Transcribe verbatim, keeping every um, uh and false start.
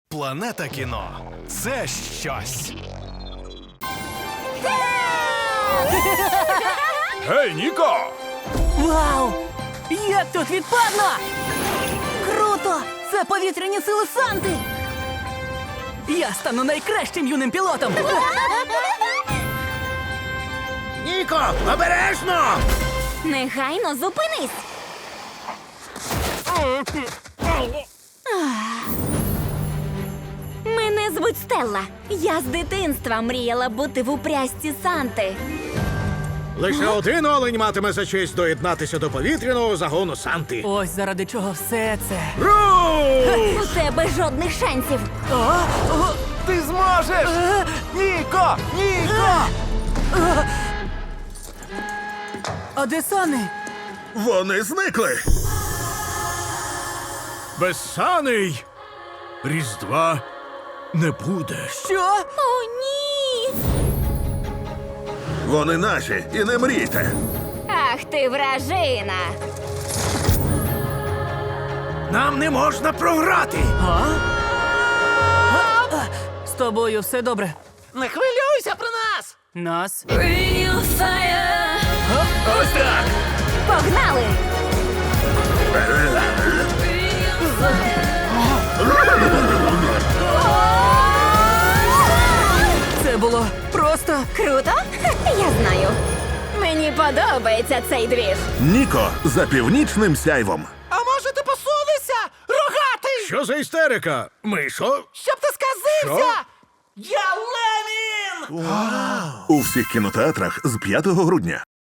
Планета кіно – це щось. Гей, Ніко! Вау! Як тут відпадно! Круто! Це повітряні сили Санти! Я стану найкращим юним пілотом! Ніко, обережно! Негайно зупинись! Мене звуть Стелла. Я з дитинства мріяла бути в упряжці Санти. Лише один олень матиме за честь доєднатися до повітряного загону Санти. Ось заради чого все це. Руш! У тебе жодних шансів. Ти зможеш! Ніко! Ніко! А де Сани? Вони зникли! Безсаний! Різдва не буде. Що? О, ні! Вони наші, і не мрійте. Ах ти вражина! Нам не можна програти! А? З тобою все добре? Не хвилюйся про нас! Нас? Ось так! Погнали! Це було просто... Круто? Я знаю. Мені подобається цей двіж. Ніко за північним сяйвом. А може ти посунешся? Рогатий! Що за істерика? Мишо? Щоб ти сказився! Я Ленін! У всіх кінотеатрах з п'ятого грудня.